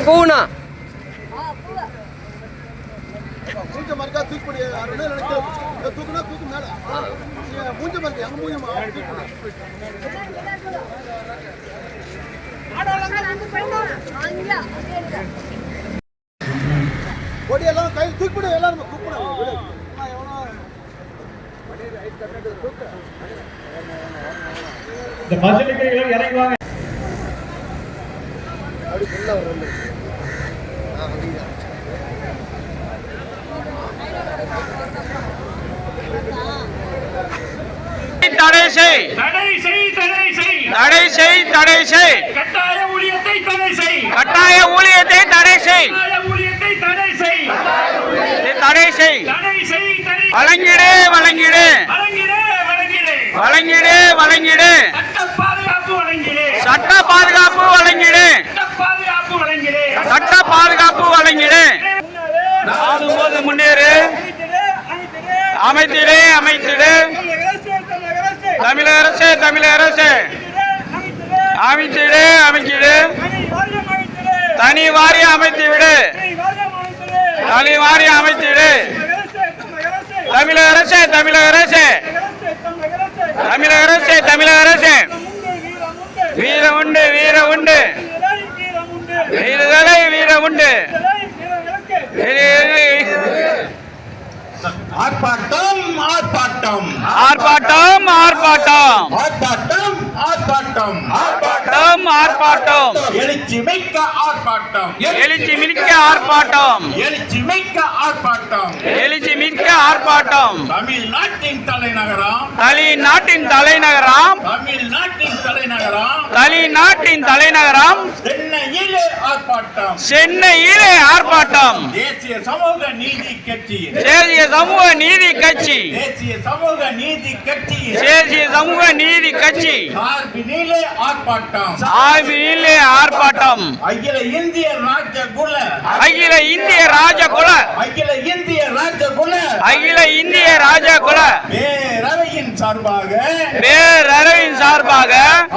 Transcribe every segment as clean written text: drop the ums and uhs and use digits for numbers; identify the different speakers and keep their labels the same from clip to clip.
Speaker 1: பூனா
Speaker 2: மூஞ்ச மரக்கா தூக்கி தூக்குனா தூக்கு மேல மூஞ்ச மரக்க எங்க மூஞ்ச கொடி எல்லாம் கையில் தூக்கிவிடு எல்லாரும் தூக்கிவிடு
Speaker 3: இந்த மஞ்சளுக்கு இறங்குவாங்க
Speaker 2: அப்படி ஃபுல்லா வரும்
Speaker 1: தடை செய்
Speaker 3: கட்டாய ஊழியத்தை
Speaker 1: தடை செய் தடை செய் வழங்கிடு சட்ட பாதுகாப்பு வழங்கிடு போது முன்னேறு அமைத்திடு தமிழக அரசு அமைத்திடு தனி வாரியம் அமைத்துவிடு தமிழக அரசு வீர உண்டு வீர உண்டு ஆர்ப்பாட்டம் எழுச்சி மிக்க ஆர்ப்பாட்டம்
Speaker 3: தமிழ்நாட்டின் தலைநகரம்
Speaker 1: சென்னையிலே ஆர்ப்பாட்டம்
Speaker 3: தேசிய சமூக நீதி கட்சி
Speaker 1: ஆர்ப்பாட்டம்
Speaker 3: அகில இந்திய ராஜகுல பேரவையின் சார்பாக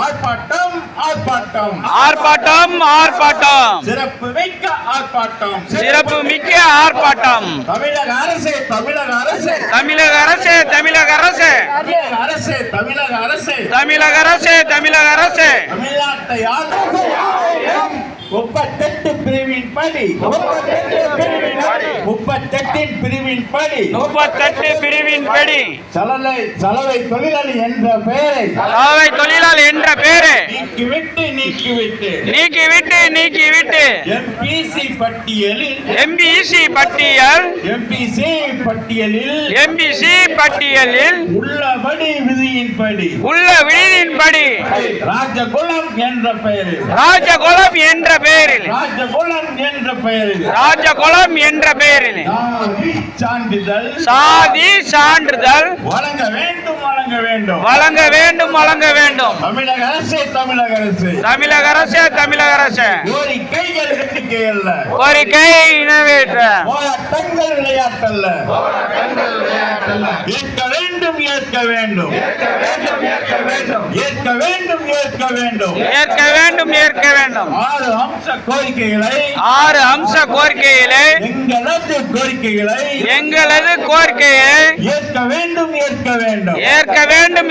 Speaker 3: ஆர்ப்பாட்டம் சிறப்பு மிக்க ஆர்ப்பாட்டம் தமிழக அரசு தமிழ்நாட்டை 38 பிரிவின் படி சலவை தொழிலாளி என்ற பெயரை நீக்கிவிட்டு எம்பிசி பட்டியலில் உள்ளபடி விதியின்படி ராஜகுலம் என்ற பெயரில் சாதி சான்றிதழ் வழங்க வேண்டும் தமிழக அரசு கோரிக்கை நிறைவேற்ற விளையாட்டல்ல ஏற்க வேண்டும் 6 அம்ச கோரிக்கைகளை எங்களது கோரிக்கையை ஏற்க வேண்டும்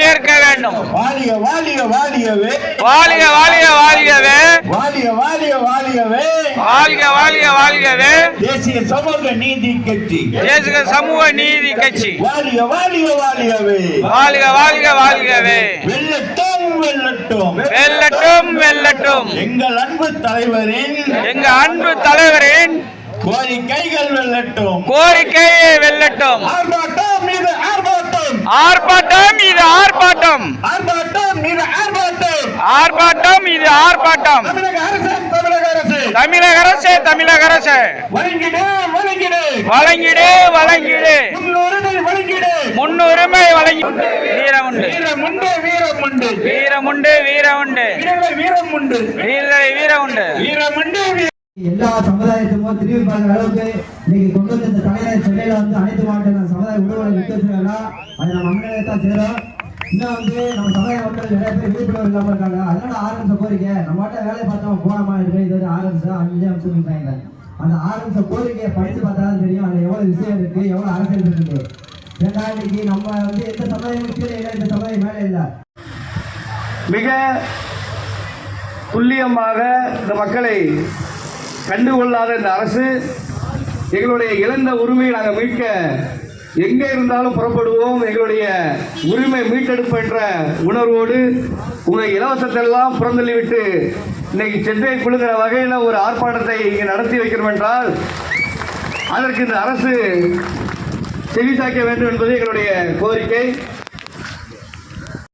Speaker 3: வாழ்கவே தேசிய சமூக நீதி கட்சி வாழ்கவே வெல்லட்டும் எங்கள் அன்பு தலைவரின் கோரிக்கைகள் வெல்லட்டும் ஆர்ப்பாட்டம் தமிழக அரசு வழங்கிடு முன்னுரிமை வழங்கிடு வீரமுண்டு
Speaker 4: எல்லா சமுதாயத்துக்கும் திரும்பி பார்க்குற அளவுக்கு இன்னைக்கு கொண்டு வந்து இந்த தலைநகர் சென்னையில வந்து அனைத்து மாவட்ட சமுதாய உணவுகளை விட்டு வச்சிருக்காங்க. அதை நம்ம அண்ணன் தான் செய்யறோம். இன்னும் வந்து நம்ம சமுதாய மக்கள் நிறைய பேர் விழிப்புணர்வு இல்லாம இருக்காங்க. அதனால ஆரம்பிச்ச கோரிக்கை நம்ம வேலையை பார்த்தோம் போனோமா இருக்கு. இது வந்து ஆரம்பிச்சா 5 அம்சம் சொல்லிட்டாங்க. அந்த ஆரம்பிச்ச கோரிக்கையை படிச்சு பார்த்தாலும் தெரியும் அதுல எவ்வளவு விஷயம் இருக்கு, எவ்வளவு அரசியல் இருக்கு. ஏன்னா இன்னைக்கு நம்ம வந்து எந்த சமுதாயம் கீழே இல்லை, இந்த சமுதாயம் மேலே இல்லை.
Speaker 5: மிக துல்லியமாக இந்த மக்களை கண்டுகொள்ளாத இந்த அரசு எங்களுடைய இழந்த உரிமையை நாங்கள் மீட்க எங்கே இருந்தாலும் புறப்படுவோம். எங்களுடைய உரிமை மீட்டெடுப்பு என்ற உணர்வோடு உங்கள் இலவசத்தெல்லாம் புறந்தள்ளிவிட்டு இன்னைக்கு சென்னை குழுகிற வகையில் ஒரு ஆர்ப்பாட்டத்தை இங்கே நடத்தி வைக்கிறோம் என்றால் அதற்கு இந்த அரசு செவிசாய்க்க வேண்டும் என்பது எங்களுடைய கோரிக்கை.